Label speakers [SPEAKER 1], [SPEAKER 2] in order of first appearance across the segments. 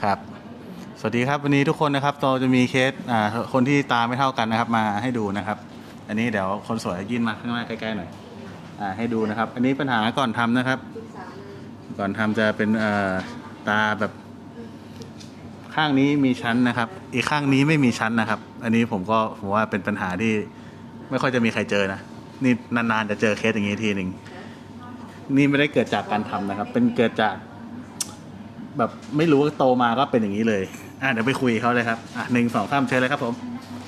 [SPEAKER 1] ครับสวัสดีครับวันนี้ทุกคนนะครับเราจะมีเคสคนที่ตาไม่เท่ากันนะครับมาให้ดูนะครับอันนี้เดี๋ยวคนสวยยื่นมาข้างหน้าใกล้ๆหน่อยให้ดูนะครับอันนี้ปัญหาก่อนทำนะครับก่อนทำจะเป็นตาแบบข้างนี้มีชั้นนะครับอีกข้างนี้ไม่มีชั้นนะครับอันนี้ผมว่าเป็นปัญหาที่ไม่ค่อยจะมีใครเจอนะนี่นานๆจะเจอเคสอย่างนี้ทีหนึ่งนี่ไม่ได้เกิดจากการทำนะครับเป็นเกิดจากแบบไม่รู้ว่าโตมาก็เป็นอย่างนี้เลยเดี๋ยวไปคุยเขาเลยครับ1 2 3เชิญเลยครับผม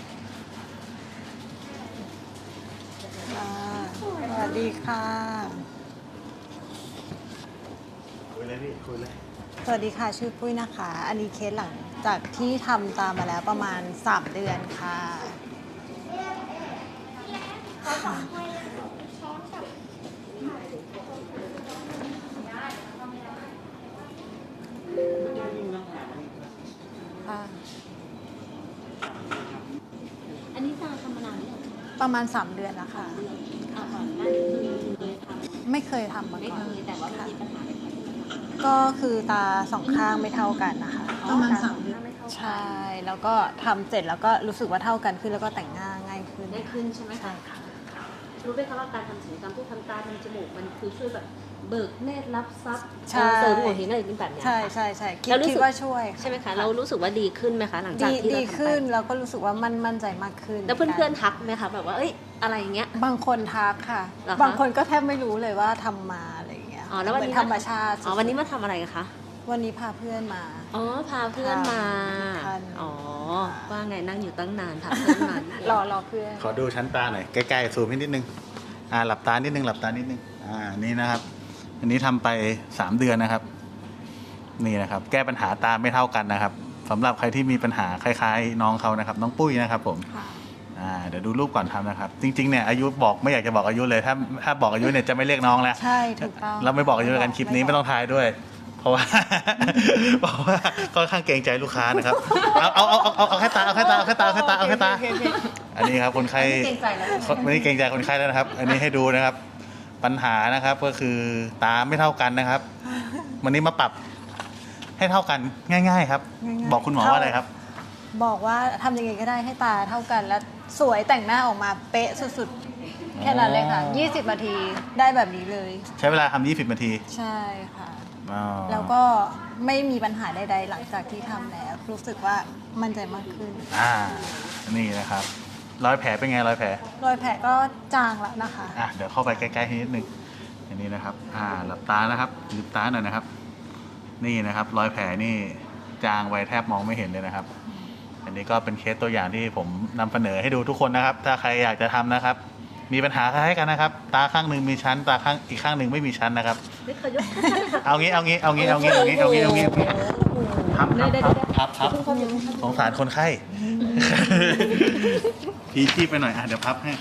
[SPEAKER 2] สวัสดีค่ะ
[SPEAKER 1] คุยเลยพี่คุยเลย
[SPEAKER 2] สวัสดีค่ะชื่อปุ้ยนะคะอันนี้เคสหลังจากที่ทำตามมาแล้วประมาณ3 เดือนค่ะ
[SPEAKER 3] อันนี้ตาทำมานานหรือยัง
[SPEAKER 2] ประมาณ3 เดือนแล้วค่ะ
[SPEAKER 3] ก่อนหน้านี้เคยทำ
[SPEAKER 2] ไม่เคยทำมา
[SPEAKER 3] ไม่
[SPEAKER 2] ก่อน
[SPEAKER 3] เคยแต่ว่ามันมีปัญหาอะไรกัน
[SPEAKER 2] ก็คือตา2 ข้างไม่เท่ากันนะคะ
[SPEAKER 3] ประมาณ3 เดือนไม่เท่ากัน
[SPEAKER 2] ใช่แล้วก็ทำเสร็จแล้วก็รู้สึกว่าเท่ากันขึ้นแล้วก็แต่งหน้าง่ายขึ้น
[SPEAKER 3] ได้ขึ้นใช่ไหมคะ
[SPEAKER 2] ใช่ค่ะ
[SPEAKER 3] รู้ไหมคะว่าการทำศัลยกรรมพวกทำตาทำจมูกมันคือช่วยแบบเบิกเนตรรับทรัพย์เสริมหัวหินอะไรแบบนี้
[SPEAKER 2] ใช่ใช่ใช่คิดว่าช่วย
[SPEAKER 3] ใช่ไหมคะเรารู้สึกว่าดีขึ้นไหมคะหลังจากที่เราทำไป
[SPEAKER 2] ดีขึ้นแล้วก็รู้สึกว่ามั่นใจมากขึ้น
[SPEAKER 3] แล้วเพื่อนๆทักไหมคะแบบว่าเอ้ยอะไรอย่างเงี้ย
[SPEAKER 2] บางคนทักค่ะบางคนก็แทบไม่รู้เลยว่าทำมาอะไรอย่างเงี้ย
[SPEAKER 3] แล้ววันนี้
[SPEAKER 2] ธรรมชาติ
[SPEAKER 3] วันนี้มาทำอะไรกันคะ
[SPEAKER 2] วันนี้พาเพื่อนมา
[SPEAKER 3] พาเพื่อนมาว่าไงนั่งอยู่ตั้งนานพาเพื่อนมาร
[SPEAKER 2] อเพื่อน
[SPEAKER 1] ขอดูชั้นตาหน่อยใกล้ๆซูมให้นิดนึงหลับตานิดนึงนี่นะครับอันนี้ทำไป3 เดือนนะครับนี่นะครับแก้ปัญหาตาไม่เท่ากันนะครับสำหรับใครที่มีปัญหาคล้ายๆน้องเขานะครับน้องปุ้ยนะครับผมเดี๋ยวดูรูปก่อนทำนะครับจริงๆเนี่ยอายุบอกไม่อยากจะบอกอายุเลยถ้าบอกอายุเนี่ยจะไม่เรียกน้องแล้ว
[SPEAKER 2] ใช่ถูกต้อง
[SPEAKER 1] เราไม่บอกอายุกันคลิปนี้ไม่ต้องทายด้วยเพราะว่าค่อนข้างเกรงใจลูกค้านะครับเอาแค่ตาอันนี้ครับคนไข้ไม่ได้เกรงใจคนไข้แล้วนะครับอันนี้ให้ดูนะครับปัญหานะครับก็คือตาไม่เท่ากันนะครับวันนี้มาปรับให้เท่ากันง่ายๆครับบอกคุณหมอว่าอะไรครับ
[SPEAKER 2] บอกว่าทำยังไงก็ได้ให้ตาเท่ากันและสวยแต่งหน้าออกมาเป๊ะสุดๆแค่นั้นเลยค่ะ20 นาทีได้แบบนี้เลย
[SPEAKER 1] ใช้เวลาทำ20 นาที
[SPEAKER 2] ใช่ค่ะแล้วก็ไม่มีปัญหาใดๆหลังจากที่ทำแล้วรู้สึกว่ามั่นใจมากขึ้น
[SPEAKER 1] นี่นะครับรอยแผลเป็นไงรอยแผล
[SPEAKER 2] ก็จางแล้วนะคะ
[SPEAKER 1] เดี๋ยวเข้าไปใกล้ๆนิดนึงอันนี้นะครับหลับตานะครับลืมตาหน่อยนะครับนี่นะครับรอยแผลนี่จางไว้แทบมองไม่เห็นเลยนะครับอันนี้ก็เป็นเคสตัวอย่างที่ผมนำเสนอให้ดูทุกคนนะครับถ้าใครอยากจะทำนะครับมีปัญหาคล้ายกันนะครับตาข้างหนึ่งมีชั้นตาข้างอีกข้างหนึ่งไม่มีชั้นนะครับเอางี้พับสงสารคนไข้พีชีพไปหน่อยเดี๋ยวพับให้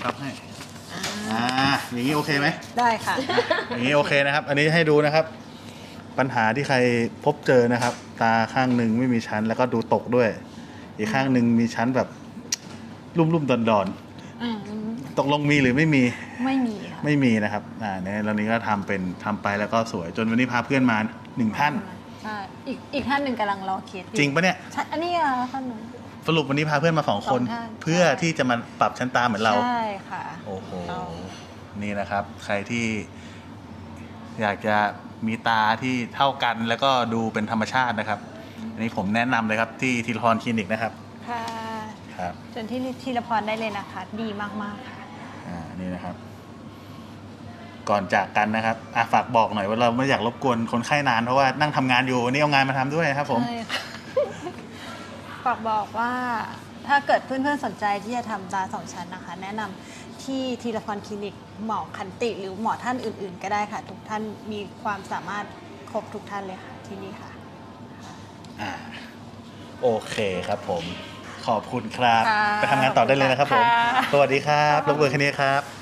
[SPEAKER 1] อย่างนี้โอเคไหม
[SPEAKER 2] ได้ค่ะ
[SPEAKER 1] อย่างนี้โอเคนะครับอันนี้ให้ดูนะครับปัญหาที่ใครพบเจอนะครับตาข้างหนึ่งไม่มีชั้นแล้วก็ดูตกด้วยอีกข้างหนึ่งมีชั้นแบบลุ่มๆดอนตกลงมีหรือไม่มีไม่มีนะครับเนี่ยเรานี้ก็ทำไปแล้วก็สวยจนวันนี้พาเพื่อนมา1 ท่าน
[SPEAKER 2] ใช่อีกท่านหนึ่งกำลังรอเคส
[SPEAKER 1] จริงปะเนี่ย
[SPEAKER 2] อันนี้ท่านหนึ่ง
[SPEAKER 1] สรุปวันนี้พาเพื่อนมา2 คนเพื่อที่จะมาปรับชั้นตาเหมือนเรา
[SPEAKER 2] ใช่ค่ะ
[SPEAKER 1] โอ้โหนี่นะครับใครที่อยากจะมีตาที่เท่ากันแล้วก็ดูเป็นธรรมชาตินะครับอันนี้ผมแนะนำเลยครับที่ธีรพรคลินิกนะครับ
[SPEAKER 2] ค่ะ
[SPEAKER 1] ครับ
[SPEAKER 2] จนที่ธีรพรได้เลยนะคะดีมากๆค่ะ
[SPEAKER 1] นี่นะครับก่อนจากกันนะครับฝากบอกหน่อยว่าเราไม่อยากรบกวนคนไข้นานเพราะว่านั่งทำงานอยู่วันนี้เอางานมาทำด้วยครับผม
[SPEAKER 2] ฝากบอกว่าถ้าเกิดเพื่อนๆสนใจที่จะทำตา2 ชั้นนะคะแนะนำที่ธีรพรคลินิกหมอขันติหรือหมอท่านอื่นๆก็ได้ค่ะทุกท่านมีความสามารถครบทุกท่านเลยค่ะที่นี่ค่ะ
[SPEAKER 1] โอเคครับผมขอบคุณครับไปทำงานต่อได้เลยนะครับผมสวัสดีครับรบกวนแค่นี้ครับ